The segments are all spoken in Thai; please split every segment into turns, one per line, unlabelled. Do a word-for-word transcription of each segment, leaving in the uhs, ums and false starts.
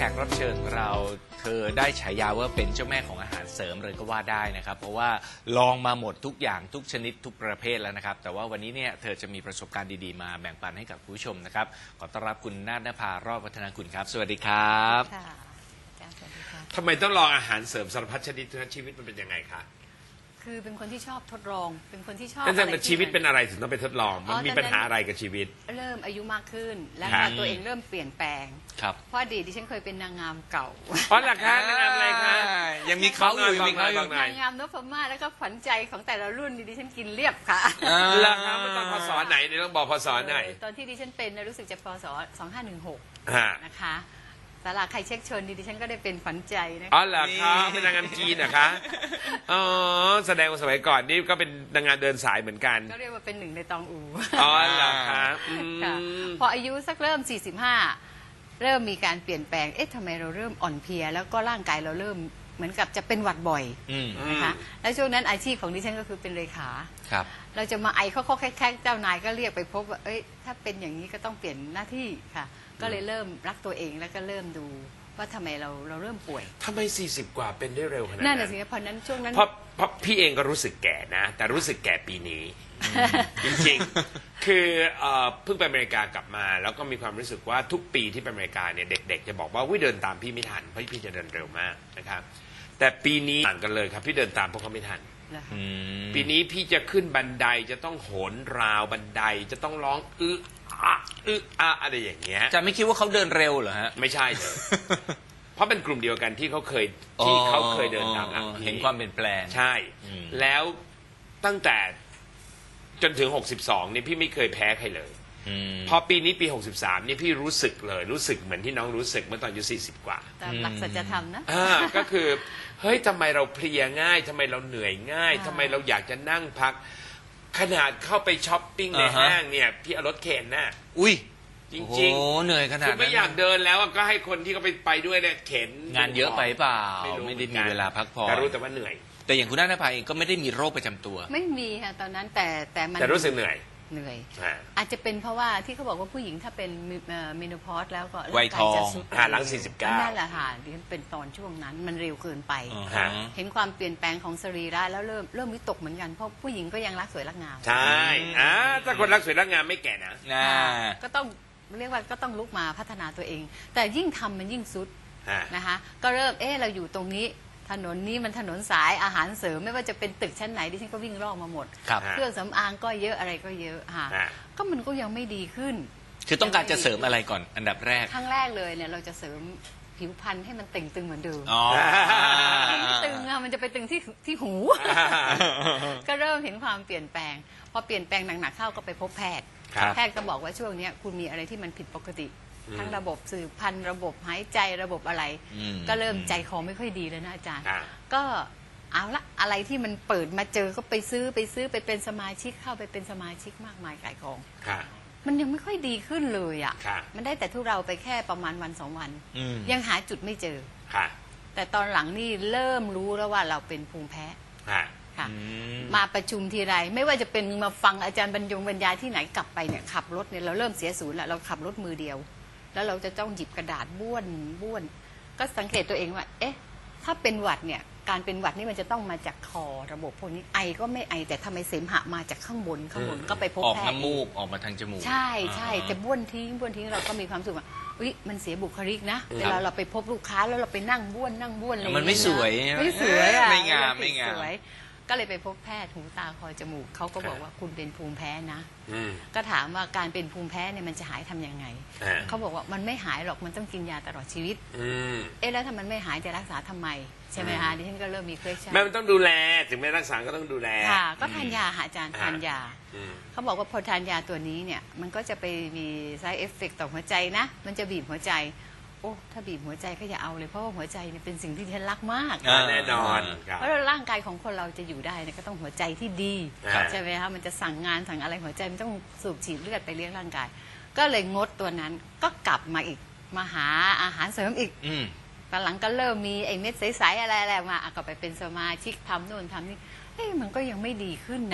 กรับเชิญของเราเธอได้ฉายาว่าเป็นเจ้าแม่ของอาหารเสริมเลยก็ว่าได้นะครับเพราะว่าลองมาหมดทุกอย่างทุกชนิดทุกประเภทแล้วนะครับแต่ว่าวันนี้เนี่ยเธอจะมีประสบการณ์ดีๆมาแบ่งปันให้กับผู้ชมนะครับขอต้อนรับคุณนาฏนภารอดวัฒนากุลครับสวัสดีครับ
ค่ะ
ทำไมต้องลองอาหารเสริมสารพัดชนิดทั้งชีวิตมันเป็นยังไงคะ
คือเป็นคนที่ชอบทดลองเป็นคนที่ชอบ
แต่ชีวิตเป็นอะไรถึงต้องไปทดลองมันมีปัญหาอะไรกับชีวิต
เริ่มอายุมากขึ้นแล้วก็ตัวเองเริ่มเปลี่ยนแปลง
ครับ
เพราะอดีตดิฉันเคยเป็นนางงามเก่า
เพราะหลักฐานนางงามอะไรคะ
ยังมีเขาอยู่มีเขาอยู่
นางงามนพมาศแล้วก็ขวัญใจของแต่ละรุ่นดิฉันกินเรียบค่ะ
หลักฐานมันตอนพศไหนเนี่ยต้องบอกพศไหน
ตอนที่ดิฉันเป็นรู้สึกจะพศสองห้าหนึ่งหกนะคะสาราใครเช็คเชิญดิฉันก็ได้เป็นฝันใจนะคะ
อ๋อเหรอคะเป็นนางงามจีนนะคะอ๋อแสดงว่าสมัยก่อนนี่ก็เป็นนางงามเดินสายเหมือนกัน
ก็เรียกว่าเป็นหนึ่งในตองอู
อ๋อเหรอคะ
พออายุสักเริ่มสี่สิบห้าเริ่มมีการเปลี่ยนแปลงเอ๊ะทำไมเราเริ่มอ่อนเพลียแล้วก็ร่างกายเราเริ่มเหมือนกับจะเป็นหวัดบ่อยนะคะแล้วช่วงนั้นอาชีพของดิฉันก็คือเป็นเลขา
ครับ
เราจะมาไอเขาเขาแค่เจ้านายก็เรียกไปพบว่าเอ้ยถ้าเป็นอย่างนี้ก็ต้องเปลี่ยนหน้าที่ค่ะก็เลยเริ่มรักตัวเองแล้วก็เริ่มดูว่าทำไมเราเราเริ่มป่วย
ทำไมสี่สิบกว่าเป็นได้เร็วขนาดนั้น
นั่นแหละสิเพราะนั้นช่วงนั้น
เพราะเพราะพี่เองก็รู้สึกแก่นะแต่รู้สึกแก่ปีนี้จริงๆคือเพิ่งไปอเมริกากลับมาแล้วก็มีความรู้สึกว่าทุกปีที่ไปอเมริกาเนี่ยเด็กๆจะบอกว่าวิเดินตามพี่ไม่ทันเพราะพี่จะเดินเร็วมากนะครับแต่ปีนี้ต่างกันเลยครับพี่เดินตามพวกเขาไม่ทันปีนี้พี่จะขึ้นบันไดจะต้องโหนราวบันไดจะต้องร้องอึอะอึอะอะไรอย่างเงี้ย
จะไม่คิดว่าเขาเดินเร็วเหรอฮะ
ไม่ใช่เลยเพราะเป็นกลุ่มเดียวกันที่เขาเคยที่เขาเคยเดินตาม
เห็นความเปลี่ยนแปลง
ใช่แล้วตั้งแต่จนถึงหกสิบสองนี่พี่ไม่เคยแพ้ใครเลยพอปีนี้ปีหกสิบสามนี่พี่รู้สึกเลยรู้สึกเหมือนที่น้องรู้สึกเมื่อตอนอายุสี่สิบกว่า
ตามหลักสัจธรรมนะ
ก็คือเฮ้ยทำไมเราเพลียง่ายทำไมเราเหนื่อยง่ายทำไมเราอยากจะนั่งพักขนาดเข้าไปช้อปปิ้งในห้างเนี่ยพี่เอารถเข็นน่ะ
อุ้ย
จริงๆ
โอ้เหนื่อยขนาดนั้น
ไม่อยากเดินแล้วก็ให้คนที่เขาไปไปด้วยเนี่ยเข็น
งานเยอะไปเปล่าไม่ได้มีเวลาพักผ่อน
แต่รู้แต่ว่าเหนื่อย
แต่อย่างคุณนาฏนภาเองก็ไม่ได้มีโรคประจำตัว
ไม่มีค่ะตอนนั้นแต่แต่มัน
แต่รู้สึกเหนื่อย
เหนื่อยอาจจะเป็นเพราะว่าที่เขาบอกว่าผู้หญิงถ้าเป็นเมโนพอสแล้วก็
วัยทอง
หลังสี่สิบเก้า
นั่นแหละค่ะดิฉันเป็นตอนช่วงนั้นมันเร็วเกินไปเห็นความเปลี่ยนแปลงของสรีระแล้วเริ่มเริ่มวิตกเหมือนกันเพราะผู้หญิงก็ยังรักสวยรักงาม
ใช่อ่าถ้าคนรักสวยรักงามไม่แก่นะ
ก็ต้องเรียกว่าก็ต้องลุกมาพัฒนาตัวเองแต่ยิ่งทำมันยิ่งสุดนะคะก็เริ่มเออเราอยู่ตรงนี้ถนนนี้มันถนนสายอาหารเสริมไม่ว่าจะเป็นตึกชั้นไหนดิฉันก็วิ่งรอบมาหมดเครื่องสำอางก็เยอะอะไรก็เยอะค่ะก็มันก็ยังไม่ดีขึ้น
คือต้องการจะเสริมอะไรก่อนอันดับแรก
ครั้งแรกเลยเนี่ยเราจะเสริมผิวพรรณให้มันเต่งตึงเหมือนเดิมไม่ตึงอะมันจะไปตึงที่ที่หูก็เริ่มเห็นความเปลี่ยนแปลงพอเปลี่ยนแปลงหนักๆเข้าก็ไปพบแพทย์แพทย์ก็บอกว่าช่วงนี้คุณมีอะไรที่มันผิดปกติทั้งระบบสืบพันธุ์ระบบหายใจระบบอะไรก็เริ่มใจคอไม่ค่อยดีแล้วนะอาจารย์ก็เอาละอะไรที่มันเปิดมาเจอก็ไปซื้อไปซื้อไปเป็นสมาชิกเข้าไปเป็นสมาชิกมากมายขายของมันยังไม่ค่อยดีขึ้นเลยอ่ะมันได้แต่ทุเราไปแค่ประมาณวันสองวันยังหาจุดไม่เจอแต่ตอนหลังนี่เริ่มรู้แล้วว่าเราเป็นภูมิแพ้มาประชุมทีไรไม่ว่าจะเป็นมาฟังอาจารย์บรรยงบรรยายที่ไหนกลับไปเนี่ยขับรถเนี่ยเราเริ่มเสียศูนย์แล้วเราขับรถมือเดียวแล้วเราจะต้องหยิบกระดาษบ้วนบ้วนก็สังเกตตัวเองว่าเอ๊ะถ้าเป็นหวัดเนี่ยการเป็นหวัดนี่มันจะต้องมาจากคอระบบพวกนี้ไอก็ไม่ไอแต่ทำไมเสมหะมาจากข้างบนข้างบนก็ไปพบแพทย์
ออกน้ำมูกออกมาทางจมูก
ใช่ใช่แต่บ้วนทิ้งบ้วนทิ้งเราก็มีความสุขว่าอุ๊ยมันเสียบุคลิกนะเวลาเราไปพบลูกค้าแล้วเราไปนั่งบ้วนนั่งบ้วนอะไร
มันไม่สวย
ไม่สวยอ่ะ
ไม่งามไม่งาม
ก็เลยไปพบแพทย์หูตาคอจมูกเขาก็บอกว่าคุณเป็นภูมิแพ้นะก็ถามว่าการเป็นภูมิแพ้เนี่ยมันจะหายทํำยังไงเขาบอกว่ามันไม่หายหรอกมันต้องกินยาตลอดชีวิตเอ๊ะแล้วถ้ามันไม่หายจะรักษาทำไมใช่ไหมคะดิฉันก็เริ่มมีเคส
แม่มันต้องดูแลถึงแม้รักษาก็ต้องดูแล
ค่ะก็ทานยาค่ะอาจารย์ทานยาเขาบอกว่าพอทานยาตัวนี้เนี่ยมันก็จะไปมี side effect ต่อหัวใจนะมันจะบีบหัวใจโอ้ถ้าบีบหัวใจก็อย่าเอาเลยเพราะว่าหัวใจเนี่ยเป็นสิ่งที่ฉันรักมาก
แน่นอน
เพราะร่างกายของคนเราจะอยู่ได้เนี่ยก็ต้องหัวใจที่ดีใช่ไหมคะมันจะสั่งงานสั่งอะไรหัวใจมันต้องสูบฉีดเลือดไปเลี้ยงร่างกายก็เลยงดตัวนั้นก็กลับมาอีกมาหาอาหารเสริมอีกตอนหลังก็เริ่มมีไอ้เม็ดใสๆอะไรๆมาก็ไปเป็นสมาชิกทำโน่นทำนี่เอ้มันก็ยังไม่ดีขึ้นนะ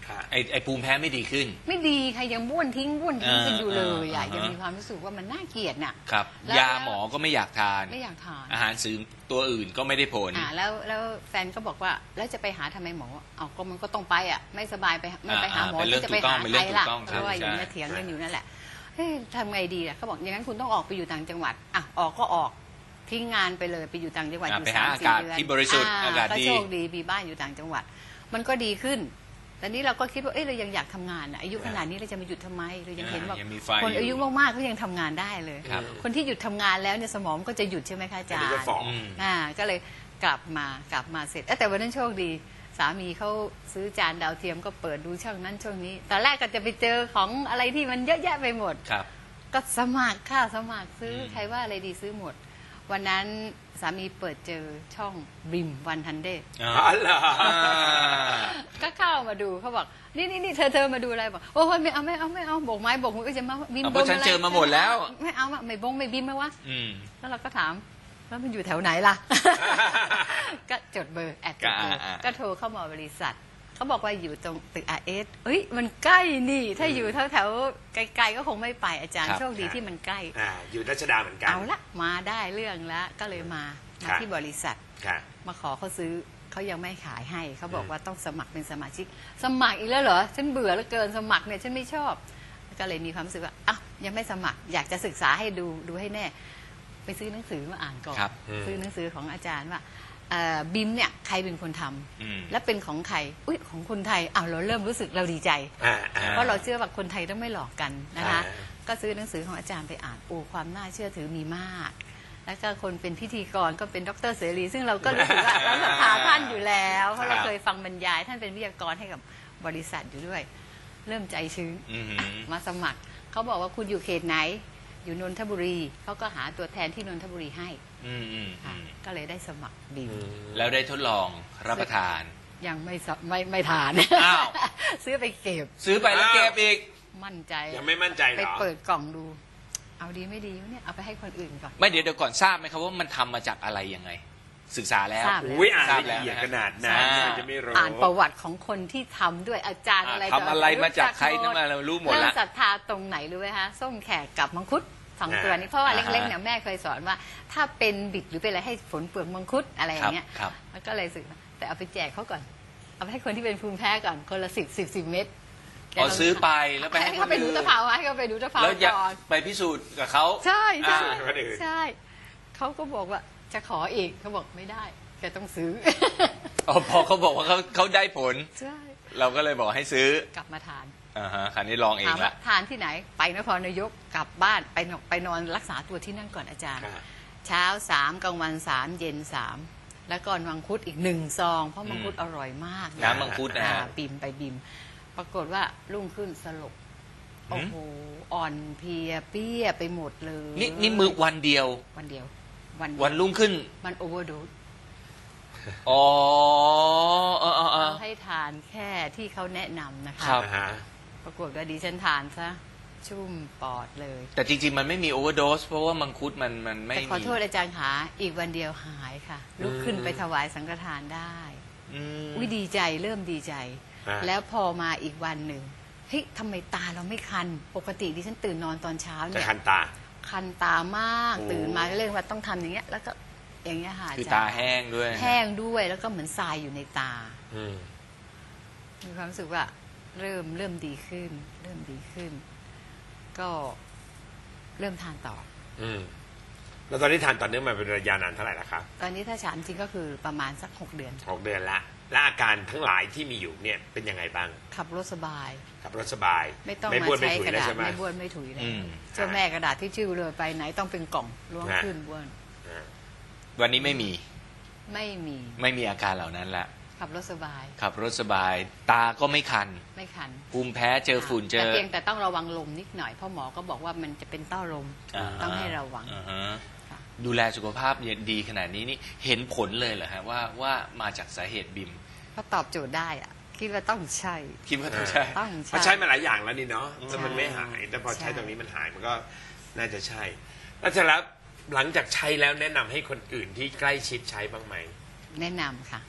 ไอไอภูมิแพ้ไม่ดีขึ้น
ไม่ดีใครยังบ้วนทิ้งบ้วนทิ้งกันอยู่เลยอ่ะ
อ่า
ยังมีความรู้สึกว่ามันน่าเกลียดน่ะ
ครับ
แล้ว
ยาหมอก็ไม่อยากทาน
ไม่อยากทาน
อาหารเสริมตัวอื่นก็ไม่ได้ผล
อ่าแล้วแล้วแฟนก็บอกว่าแล้วจะไปหาทำไมหมอเอาก็มันก็ต้องไปอ่ะไม่สบายไปไม่ไปหาหมอ
อ่าเป็นเรื่อง
ที่จะไปหา
ถูกต้องเป็น
ใค
เรื่
ร
องถูก
ล่ะ
ต้อง
เพราะว่าอยู่
ใช่
เนี่ยเถียงกันอยู่นั่นแหละเฮ้ยทำไงดีอ่ะเขาบอกอย่างนั้นคุณต้องออกไปอยู่ต่างจังหวัดอ่ะออกก็ออกทิ้งงานไปเลยไปอยู่ต่างจังหวัด
อ่า
อยู่
ไป
สา
หาม อา
สี่
กาศ
เดือน
ที่บริสุทธิ์อากาศ
ก็
ดี
โชคดีมีบ้านอยู่ต่างจังหวัด มันก็ดีขึ้นแต่นี้เราก็คิดว่าเอ้ยเรายังอยากทำงานอ่ะอายุขนาดนี้เราจะมาหยุดทำไมเรายังเห็นว่า
ยังมีไฟ
คนอายุ
อยู่
มากๆเขายังทำงานได้เลย
ครับ
คนที่หยุดทำงานแล้วเนี่ยสมองก็จะหยุดใช่ไหมคะอาจาร
อันนี้
ย์
ก็ฝ่อ
อืม
อ่าก็เลยกลับมากลับมาเสร็จเอ้ยแต่วันนั้นโชคดี สามีเขาซื้อจานดาวเทียมก็เปิดดูช่องนั้นช่องนี้ตอนแรกก็จะไปเจอของอะไรที่มันเยอะแยะไปหมด
ครับ
ก็สมัครค่ะสมัครซื้ออ
ม
ใครว่าอะไรดีซื้อหมด วันนั้นสามีเปิดเจอช่องบิมวันทันเดย์
อ่า
อ๋อเหรอ
ก็เข้ามาดูเขาบอกนี่นี่นี่เธอเธอมาดูอะไรบอกโอ้ยไม่เอาไม่เอาไม่เอาโบกไม้โบกมือก็จะมาบิม
เอาเพราะฉัน
บงะไร
เจอมาหมดแล้ว
ไม่เอาอะไม่บงไม่บิมไหมวะ
อืม
แล้วเราก็ถามแล้วมันอยู่แถวไหนล่ะ ก็จดเบอร์แอดจดเบอร์
ก็อ่าๆ
ก็โทรเข้ามาบริษัทเขาบอกว่าอยู่ตรงตึกอาร์เอสเอ้ยมันใกล้นี่ ถ้าอยู่แถวแถวๆไกลๆก็คงไม่ไปอาจารย์
ครับ
โชคดีที่มันใกล้
อ่าอยู่รัชดาเหมือนกัน
เอาละมาได้เรื่องแล้วก็เลยมา
ครั
มา
บ
ที่บริษัท
ค่ะ
มาขอเขาซื้อเขายังไม่ขายให้เขาบอก
อืม
ว่าต้องสมัครเป็นสมาชิก สมัครอีกแล้วเหรอฉันเบื่อแล้วเกินสมัครเนี่ยฉันไม่ชอบ ก็เลยมีความรู้สึกว่าอ้าวยังไม่สมัคร อยากจะศึกษาให้ดูดูให้แน่ ไปซื้อหนังสือมาอ่านก่อน
ครับ
อืม
ซื้อหนังสือของอาจารย์ว่าเอ่อบิมเนี่ยใครเป็นคนทำ
อืม
และเป็นของใครอุ้ยของคนไทยอ้าวเราเริ่มรู้สึกเราดีใจ
อ่าอ่า
เพราะเราเชื่อว่าคนไทยต้องไม่หลอกกันนะคะ
อ่า
ก็ซื้อหนังสือของอาจารย์ไปอ่านโอ้ความน่าเชื่อถือมีมาก แล้วก็คนเป็นพิธีกรก็เป็นดรเสรี ซึ่งเราก็รู้สึกว่าเราศรัทธาท่านอยู่แล้วเพราะเราเคยฟังบรรยาย ท่านเป็นวิทยากรให้กับบริษัทอยู่ด้วย เริ่มใจชื้น
อืม
มาสมัครเขาบอกว่าคุณอยู่เขตไหน อยู่นนทบุรีเขาก็หาตัวแทนที่นนทบุรีให้
อืมอืม
ค่ะ
อืม
ก็เลยได้สมัครบิม
อืม
แล้วได้ทดลองรับประทาน
ยังไม่สไม่ไม่ทาน
อ้าว
ซื้อไปเก็บ
ซื้อไปแล้วเก็บอีก
มั่นใจ
ยังไม่มั่นใจเห
ไป
รอ
เปิดกล่องดู เอาดีไม่ดีวะเนี่ย เอาไปให้คนอื่นก่อน
ไม่เดี๋ยวเดี๋ยวก่อนทราบไหมครับว่ามันทำมาจากอะไรยังไง ศึกษาแล้ว
ทราบแล้ว
อุ้ยอ่าน
ทราบ
ละ
แล้ว
เอียด
นะ
ขนาดนั้น
อ่า
จะไม่รู้
อ่านประวัติของคนที่ทำด้วยอาจารย์อะไร
ทำอะไรมาจากใคร
หม
นั่
ด
นมาเรารู้หมด
เริ่ม
ละ
ศรัทธาตรงไหนรู้ไหมคะส้มแขกกับมังคุดสองตัวนี้เพราะว่า
อ่าฮะ
เล็กๆเนี่ยแม่เคยสอนว่า ถ้าเป็นบิดหรือเป็นอะไรให้ฝนเปลือกมังคุดอะไรอย่างเงี้ย
ครับ
แล้วก็เลยสึกแต่เอาไปแจกเขาก่อน เอาไปให้คนที่เป็นภูมิแพ้ก่อนคนละสิบสิบสิบเม็ด
พอซื้อไปแล้วไปให้
ให้
ค
เขา
น
ไปดู
อื่น
ตะเภาให้เขาไปดูตะเภา
แล้วอยาก
ก่อน
ไปพิสูจน์กับเขา
ใช่ใช่
อ่า
คนอื่น
ใช่เขาก็บอกว่าจะขออีกเขาบอกไม่ได้แกต้องซื้อ
อ๋อพอเขาบอกว่าเขาเขาได้ผล
ใช่
เราก็เลยบอกให้ซื้อก
ลับมาทาน
อ่าฮะคราวนี้ลองเอ
ถาง ม
ละ
ว่าทานที่ไหน ไปนครนายกกลับบ้านไปนอนไปนอนรักษาตัวที่นั่นก่อนอาจารย์
ค่ะ
เช้าสามกลางวันสามเย็นสามแล้วก็มังคุดอีกหนึ่งซอง เพราะมังคุดอร่อยมาก
น้ำมังคุดนะ
อ่า
ฮะ
บิมไปบิม ปรากฏว่ารุ่งขึ้นสลบ
หืม
โอ้โหอ่อนเพลียเปี้ยไปหมดเลย
นี่นี่มือวันเดียว
วันเดียว วัน
วันรุ่งขึ้น
มันโอเวอร์โดส
อ๋อเออเออเออ
เขาให้ทานแค่ที่เขาแนะนำนะคะ
ครับ
อ่าฮะ
ปรากฏว่าดิฉันทานซะชุ่มปอดเลย
แต่จริงๆ มันไม่มีโอเวอร์โดสเพราะว่ามังคุดมันมันไม่
แต่ขอ
มี
โทษอาจารย์ขาอีกวันเดียวหายค่ะ ลุกขึ้นไปถวายสังฆทานได้
อืม
วิดีใจเริ่มดีใจ
อ่า
แล้วพอมาอีกวันหนึ่งเฮ้ยทำไมตาเราไม่คัน ปกติดิฉันตื่นนอนตอนเช้า
จะ
เนี่ย
คันตา
คันตามาก
โอ้
ตื่นมาก็เรื่องว่าต้องทำอย่างเงี้ย แล้วก็อย่างเงี้ยค่ะ
คือ
จรย์
ตาแห้งด้วย
แห้งด้วยแล้วก็เหมือนทรายอยู่ในตา
อืม
มีความรู้สึกว่าเริ่มเริ่มดีขึ้น เริ่มดีขึ้น ก็เริ่มทานต่อ
อืมแล้วตอนนี้ทานต่อเนื่องมาเป็นระยะนานเท่าไหร่ละครับ
ตอนนี้ถ้าฉันจริงก็คือประมาณสักหกเดือน
หกเดือนละ และอาการทั้งหลายที่มีอยู่เนี่ยเป็นยังไงบ้าง
ขับรถสบาย
ขับรถสบาย
ไม่ต้อง
ไม่
มา
บ้วนไม่
ใช้
ถุย
กระ
แล้ว
ดาษ
ใช่ไหม
ไม่บ้วนไม่ถุยเลย
อืม
เจ้าแม่กระดาษที่ชื่อเลยไปไหนต้องเป็นกล่องล้วง
ฮะ
ขึ้นบ้วน
อ่า
วันนี้ไม่มี
ไม่มี
ไม่มีอาการเหล่านั้นละ
ขับรถสบาย
ขับรถสบาย ตาก็ไม่คัน
ไม่คัน
ภูมิแพ้เจอฝุ่นเจ
แต่
อ
เพียงแต่ต้องระวังลมนิดหน่อยเพราะหมอก็บอกว่ามันจะเป็นเต้าลม
า
ต้องให้ระวัง
อ่าฮะ
ค่ะ
ดูแลสุขภาพดีขนาดนี้นี่เห็นผลเลยเหรอฮะว่าว่ามาจากสาเหตุบิม
ก็ตอบโจทย์ได้อะคิดว่าต้องใช่
คิดว่าต้องใช่
ต้อง
เพราะ
ใช่
ใช้มาหลายอย่างแล้วนี่เนาะแต่มัน
ใช่
ไม่หาย แต่พอใช้
ใช่
ตรงนี้มันหายมันก็น่าจะใช่ แล้วเสร็จแล้วหลังจากใช้แล้วแนะนำให้คนอื่นที่ใกล้ชิดใช้บ้างไหม
แนะนำค่ะ
ค่ะ
แ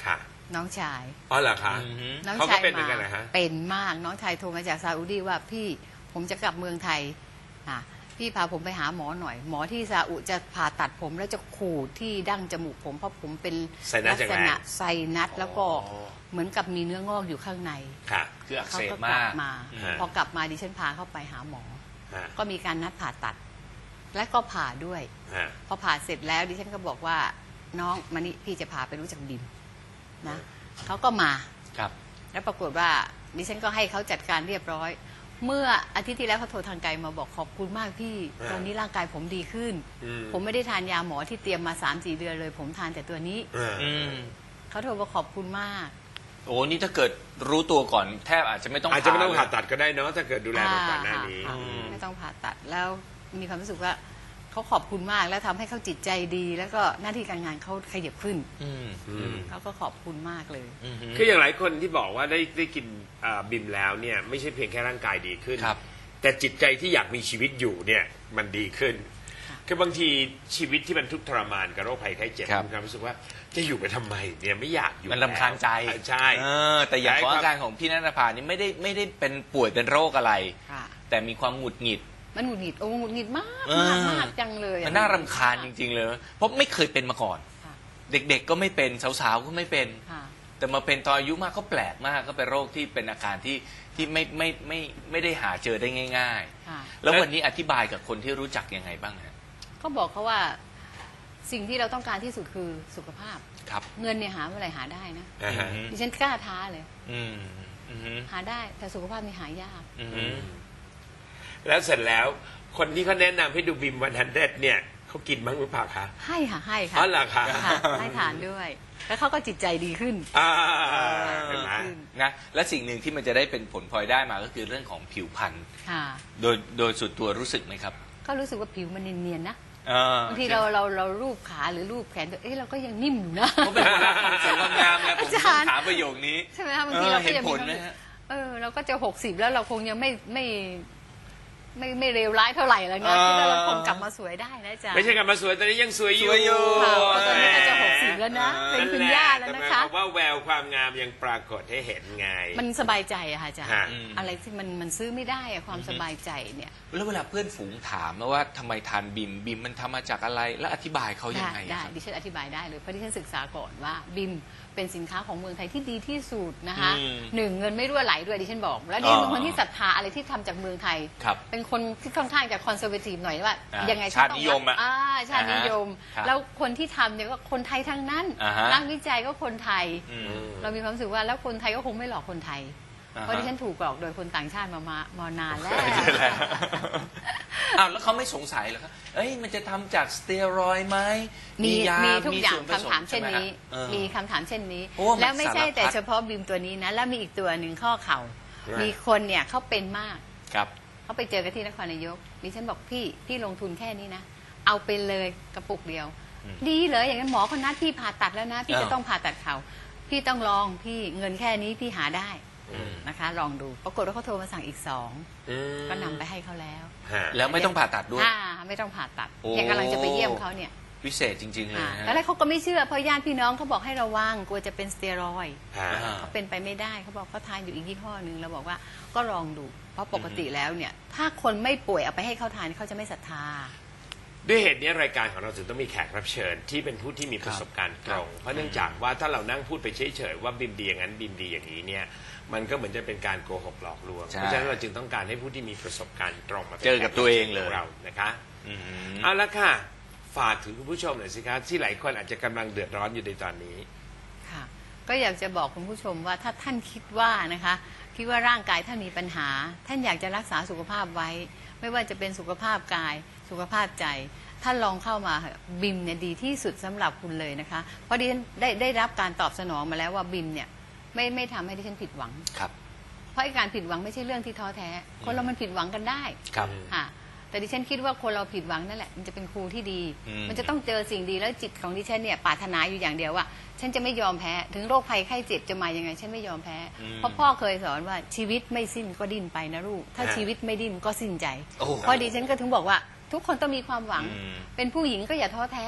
น้องชาย
อ๋อเหรอคะ
อือฮึ
น้อง
เขาก็
ชาย
เป็นเหมือน
มา
กันเหรอฮะ
เป็นมากน้องชายโทรมาจากซาอุดีว่าพี่ผมจะกลับเมืองไทยอ่ะพี่พาผมไปหาหมอหน่อย หมอที่ซาอุจะผ่าตัดผมแล้วจะขูดที่ดั้งจมูกผมเพราะผมเป็น
ไซนัส
ลั
อย่าง
ษ
แรง
ณะไซนัสแล้วก็
อ๋อ
เหมือนกับมีเนื้องอกอยู่ข้างใน
ค่ะ
คืออัก
เขา
เสบ
ก็ก
มา
ลั
ก
บมา
อืม
พอกลับมาดิฉันพาเข้าไปหาหมอ
ฮะ
ก็มีการนัดผ่าตัด และก็ผ่าด้วย
ฮะ
พอผ่าเสร็จแล้วดิฉันก็บอกว่าน้องมานี่พี่จะพาไปรู้จักบิมนะเขาก็มา
ครับ
แล้วปรากฏว่าดิฉันก็ให้เขาจัดการเรียบร้อย เมื่ออาทิตย์ที่แล้วเขาโทรทางไกลมาบอกขอบคุณมากพี่
อ่า
ตอนนี้ร่างกายผมดีขึ้น
อืม
ผมไม่ได้ทานยาหมอที่เตรียมมา สามสี่ เดือนเลย ผมทานแต่ตัวนี้
อ่า
อืม
เขาโทรมาขอบคุณมาก
โอ้นี่ถ้าเกิดรู้ตัวก่อนแทบอาจจะไม่ต้อง
อาจจะไม่ต้องผ่า
เลย
ตัดก็ได้เนาะถ้าเกิดดูแลมาก่อนหน้านี้
ค่ะ
อืม
ไม่ต้องผ่าตัดแล้วมีความรู้สึกว่าเขาขอบคุณมากแล้วทำให้เขาจิตใจดี แล้วก็หน้าที่การงานเขาขยับขึ้น
อืม
อืม
เขาก็ขอบคุณมากเลย
อืม
คืออย่างหลายคนที่บอกว่าได้ได้กินอ่าบิมแล้วเนี่ยไม่ใช่เพียงแค่ร่างกายดีขึ้น
ครับ
แต่จิตใจที่อยากมีชีวิตอยู่เนี่ยมันดีขึ้น
ค่ะ
คือบางทีชีวิตที่มันทุกข์ทรมานกับโรคภัยไข้เจ็บ
ครับ
มีความรู้สึกว่าจะอยู่ไปทำไมเนี่ยไม่อยากอยู่
มันลำคาญใจ
แล้วใช่
เออแต่อย่างของอาการของพี่นันทภานี่ไม่ได้ไม่ได้เป็นป่วยเป็นโรคอะไร
ค่ะ
แต่มีความหงุดหงิด
มันหงุดหงิดโอ้หงุดหงิดมาก
เออ
มากมากจังเลยอะ
มันน่ารำคาญจริง ๆ เลย เพราะไม่เคยเป็นมาก่อน
ค่ะ
เด็กๆก็ไม่เป็นสาวๆก็ไม่เป็น
ค่ะ
แต่มาเป็นตอนอายุมากก็แปลกมากก็เป็นโรคที่เป็นอาการที่ที่ไม่ไม่ไม่ไม่ได้หาเจอได้ง่าย
ค่ะ
ๆ แล้ววันนี้อธิบายกับคนที่รู้จักยังไงบ้างฮะ
ก็บอกเขาว่าสิ่งที่เราต้องการที่สุดคือสุขภาพ
ครับ
เงินเนี่ยหาเมื่อไหร่หาได้นะ
อ่าฮะ
ดิฉันกล้าท้าเลย
อืมอืม
หาได้แต่สุขภาพนี่หายาก
อืม
อืมแล้วเสร็จแล้วคนที่เขาแนะนำให้ดูบิมวันฮันเดเนี่ยเขากินบ้างหรือเปล่าคะ
ให้ค่ะให้ค่ะ
อ๋อเหรอคะ
ค่ะให้ทานด้วย แล้วเขาก็จิตใจดีขึ้น
อ่าเห็นไหม
ขึ้น
นะและสิ่งหนึ่งที่มันจะได้เป็นผลพลอยได้มาก็คือเรื่องของผิวพรรณ
ค่ะ
โดยโดยส่วนตัวรู้สึกไหมครับ
ก็รู้สึกว่าผิวมันเนียนๆนะ
เออบ
างทีเราเราเรารูปขาหรือรูปแขนตัวเอ๊ะเราก็ยังนิ่มอยู่นะ
เขาเป็นคนรักความสวยความงามไงผม
อาจารย์
ต้องถามประโยคนี้
ใช่ไหมคะบางทีเราก็ยังมี
เออเห็นผล
ความรู้
นะ
สึก
ฮะ
เออเราก็จะหกสิบแล้วเราคงยังไม่ไม่ไม่ไม่เลวร้ายเท่าไหร่แล้วนะคิดว่าเราคงกลับมาสวยได้นะจ๊ะ
ไม่ใช่กลับมาสวยตอนนี้ยังสวยอ
ส
ยู่
วยอยู่
ค่ะเพราะตอนนี้ก็จะหกสิบแล้วนะ เป็นคุณย่าแล้วนะคะ
แต่หมายความว่าแววความงามยังปรากฏให้เห็นไง
มันสบายใจอะค่ะอาจารย์
ฮะ
อะไรที่มันมันซื้อไม่ได้อะความสบายใจเนี่ย
แล้วเวลาเพื่อนฝูงถามว่าทำไมทานบิมบิมมันทำมาจากอะไร แล้วอธิบายเขายัง
ได้
ไง
ได้
ครับ
ดิฉันอธิบายได้เลยเพราะดิฉันศึกษาก่อนว่าบิมเป็นสินค้าของเมืองไทยที่ดีที่สุดนะคะ
อืม
หนึ่งเงินไม่รั่วไหลด้วยดิฉันบอก แล้วดิฉัน
อ๋
เป็
อน
คนที่ศรัทธาอะไรที่ทำจากเมืองไทย
ครับ
เป็นคนที่ค่อนข้างจะคอนเซอร์เวทีฟหน่อยว่า
อ่า
ยังไง
ชาตินิยมอะ
อ่าชาตินิยม
อ่าฮะครับ
แล้วคนที่ทำเนี่ยก็คนไทยทั้งนั้น
อ่าฮะ
นักวิจัยก็คนไทย
อืม
เรามีความรู้สึกว่าแล้วคนไทยก็คงไม่หลอกคนไทย
อ่าฮะ
เพราะดิฉันถูกหลอกโดยคนต่างชาติมามามานานแล้ว
ใช่แล้วอ้าวแล้วเขาไม่สงสัยเหรอครับเอ้ยมันจะทำจากสเตียรอยด์ไหม
มี
ยา
มีทุกอย่าง
ส่วนผส
คำถามเช่นนี้
ใไหฮะเออ
มีคำถามเช่นนี้
โอ้มัน
แล้วไม่ใช่
สารพัด
แต่เฉพาะบิมตัวนี้นะ แล้วมีอีกตัวหนึ่งข้อเข่า
ครับ
มีคนเนี่ยเขาเป็นมาก
ครับ
เขาไปเจอกันที่นครนายกดิฉันบอกพี่พี่ลงทุนแค่นี้นะ เอาไปเลยกระปุกเดียว
อืม
ดีเลยอย่างนั้นหมอคนนัดพี่ผ่าตัดแล้วนะ พี่
อ้าว
จะต้องผ่าตัดเข่าพี่ต้องลองพี่เงินแค่นี้พี่หาได้
อืม
นะคะ ลองดูปรากฏว่าเขาโทรมาสั่งอีกสอง
อืม
ก็นำไปให้เขาแล้ว
ฮะ
แล้วไม่ต้องผ่าตัดด้วย
อ่าไม่ต้องผ่าตัด
โอ้
ยังกำลังจะไปเยี่ยมเขาเนี่ย
วิเศษจริง ๆ เลย
อ่า
นะ
แล้วแรกเขาก็ไม่เชื่อเพราะญาติพี่น้องเขาบอกให้ระวังกลัวจะเป็นสเตียรอยด์
ฮะ
อ่า
เขาเป็นไปไม่ได้เขาบอกเขาทานอยู่อีกยี่ห้อหนึ่งเราบอกว่าก็ลองดูเพราะปกติแล้วเนี่ย ถ้าคนไม่ป่วยเอาไปให้เขาทานเขาจะไม่ศรัทธา
ด้วยเหตุนี้รายการของเราจึงต้องมีแขกรับเชิญที่เป็นผู้ที่มีประสบการณ์ตรง เพราะเนื่องจากว่าถ้าเรานั่งพูดไปเฉยๆว่าบิมดีอย่างนั้นบิมดีอย่างนี้เนี่ยมันก็เหมือนจะเป็นการโกหกหลอกลวง
ใช่
เพราะฉะนั้นเราจึงต้องการให้ผู้ที่มีประสบการณ์ตรงมาป็น
เจอกับตัวเองเลย
แขกรับชิญขเรานะคะ
อืม
เอาละค่ะฝากถึงคุณผู้ชมหน่อยสิครับที่หลายคนอาจจะกำลังเดือดร้อนอยู่ในตอนนี้
ค่ะก็อยากจะบอกคุณผู้ชมว่าถ้าท่านคิดว่านะคะคิดว่าร่างกายท่านมีปัญหา ท่านอยากจะรักษาสุขภาพไว้ ไม่ว่าจะเป็นสุขภาพกายสุขภาพใจท่านลองเข้ามาเถอะบิมเนี่ยดีที่สุดสำหรับคุณเลยนะคะเพราะดิฉันได้ได้รับการตอบสนองมาแล้วว่าบิมเนี่ยไม่ไม่ทำให้ดิฉันผิดหวัง
ครับ
เพราะไอ้การผิดหวังไม่ใช่เรื่องที่ท้อแท้ คนเรามันผิดหวังกันได้
ครับ
ค่ะแต่ดิฉันคิดว่าคนเราผิดหวังนั่นแหละมันจะเป็นครูที่ดี
อืม
มันจะต้องเจอสิ่งดีแล้วจิตของดิฉันเนี่ยปรารถนาอยู่อย่างเดียวว่า ฉันจะไม่ยอมแพ้ถึงโรคภัยไข้เจ็บจะมายังไง ฉันไม่ยอมแพ้ เพราะพ่อเคยสอนว่าชีวิตไม่สิ้นก็ดิ้นไปนะลูกถ้า
อ่า
ชีวิตไม่ดิ้นก็สิ้นใจ
โอ้
เพราะดิฉันก็ถึงบอกว่า ทุกคนต้องมีความหวัง
อืม
เป็นผู้หญิงก็อย่าท้อแท้
ใช่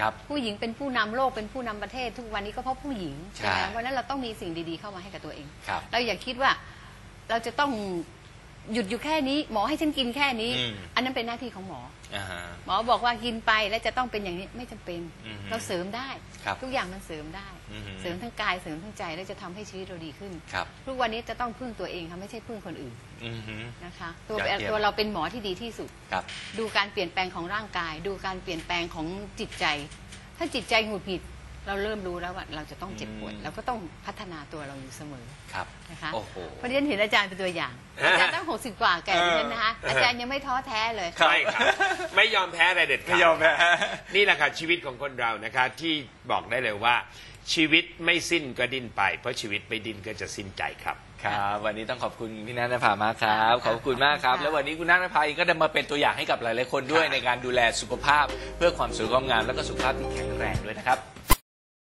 ครับ
ผู้หญิงเป็นผู้นำโลกเป็นผู้นำประเทศทุกวันนี้ก็เพราะผู้หญิง
ใช่
ใช่ไหมเพราะฉะนั้นเราต้องมีสิ่งดีๆเข้ามาให้กับตัวเอง
ครับ
เราอย่าคิดว่าเราจะต้องหยุดอยู่แค่นี้หมอให้ฉันกินแค่นี้
อืม
อันนั้นเป็นหน้าที่ของหมอ
อ่าฮะ
หมอบอกว่ากินไปแล้วจะต้องเป็นอย่างนี้ไม่จำเป็น
อือฮึ
เราเสริมได้
ครับ
ทุกอย่างมันเสริมได้
อือฮึ
เสริมทั้งกายเสริมทั้งใจแล้วจะทำให้ชีวิตเราดีขึ้น
ครับ
ทุกวันนี้จะต้องพึ่งตัวเองค่ะไม่ใช่พึ่งคนอื่น
อือฮึ
นะคะตัวย
อดเยี่ยม
ตัวเราเป็นหมอที่ดีที่สุด
ครับ
ดูการเปลี่ยนแปลงของร่างกาย ดูการเปลี่ยนแปลงของจิตใจ ถ้าจิตใจหงุดหงิดเราเริ่มรู้แล้วว่าเราจะต้องเจ็บปวด
อืม
เราก็ต้องพัฒนาตัวเราอยู่เสมอ
ครับ
นะคะ
โอ้โห
เพราะฉะนั้นเห็นอาจารย์เป็นตัวอย่าง อาจารย์ตั้งหกสิบกว่าแก่ดิฉันนะคะ อาจารย์ยังไม่ท้อแท้เลย
ใช่ครับไม่ยอมแพ้อะไรเด็ดขาด
ไม่ยอมแพ้
นี่แหละค่ะชีวิตของคนเรานะคะที่บอกได้เลยว่า ชีวิตไม่สิ้นก็ดิ้นไป เพราะชีวิตไม่ดิ้นก็จะสิ้นใจครับ
ครับวันนี้ต้องขอบคุณพี่นัทนภามากครับ ขอบคุณมากครับ
ค่ะ
แล้ววันนี้คุณนัทนภาเองก็ได้มาเป็นตัวอย่างให้กับหลายๆคนด้วย
ครับ
ในการดูแลสุขภาพเพื่อความสวยความงามแล้วก็สุขภาพที่แข็งแรงด้วยนะครับ